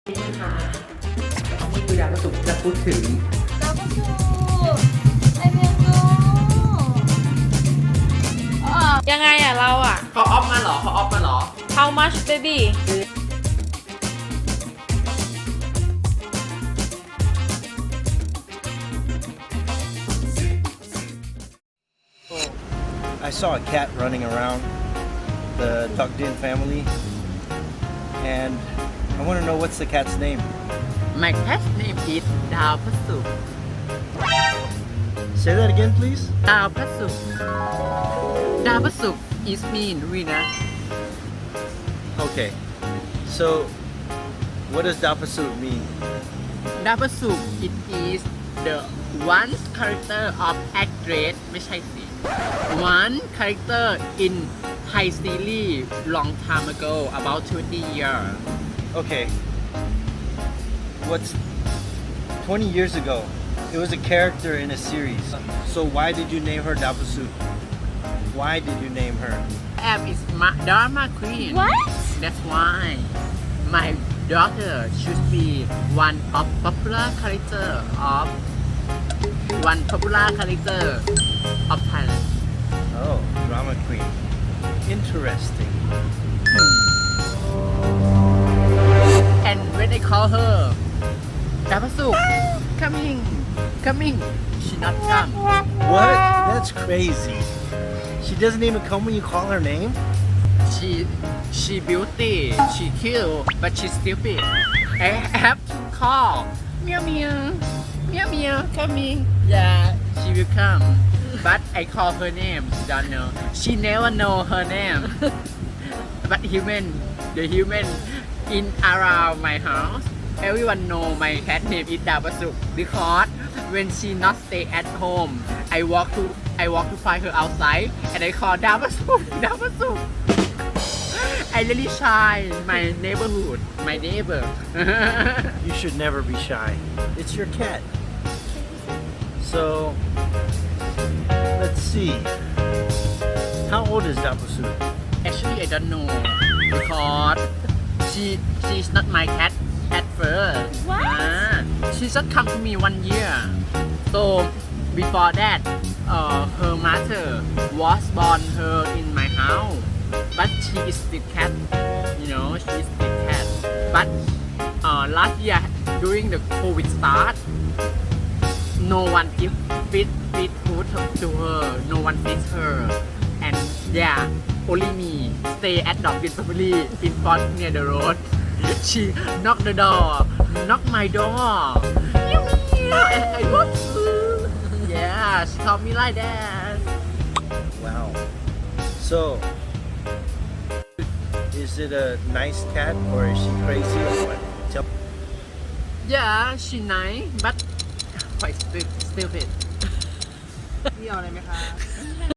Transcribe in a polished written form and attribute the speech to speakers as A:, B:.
A: นี่ค่ะนี่คือดาวประสุกจะพูดถึง
B: ยังไงอ่ะเราอ่ะ
A: เขาออฟมาเหรอเขาออฟมาเหรอ
B: How much baby
C: I saw a cat running around the Duckdin family, and I want to know what's the cat's name.
A: My cat's name is ดาวพระศุกร์
C: Say that again, please.
A: ดาวพระศุกร์ดาวพระศุกร์ is mean Venus
C: Okay. So, what does Dapasut mean?
A: ดาวพระศุกร์ it is the one character of actress ไม่ใช่สิ one character in Thai series long time ago about 20 years
C: Okay. What's 20 years ago? It was a character in a series. So why did you name her Dapasut? Why did you name her?
A: Am is drama queen
B: What
A: that's why my daughter should be one of popular character of Thailand
C: Oh, drama queen. Interesting.
A: and when I call her ดาวพระศุกร์ coming she not come
C: What? That's crazy. She doesn't even come when you call her name?
A: she beauty she cute but she stupid I have to call meow meow coming yeah she will come but I call her name she don't know she never know her name but the human in around my house everyone know my cat name is ดาวประศุกร์ because when she not stay at home I walk to find her outside and I call ดาวประศุกร์ I really shy my neighborhood my neighbor
C: You should never be shy. It's your cat. So, let's see. How old is Dapasut?
A: actually I don't know because she's not my cat at first
B: What?
A: She just come to me 1 year so before that her mother was born her in my house but she is still cat she is still cat but last year during the COVID start no one give feed food to her no one feeds her and yeah only me stay at Duckdin family in front near the road she knock the door knock my door and I walk through yeah she called me like that
C: Wow. So, is it a nice cat or is she crazy or what? Tell
A: yeah she nice but quite stupid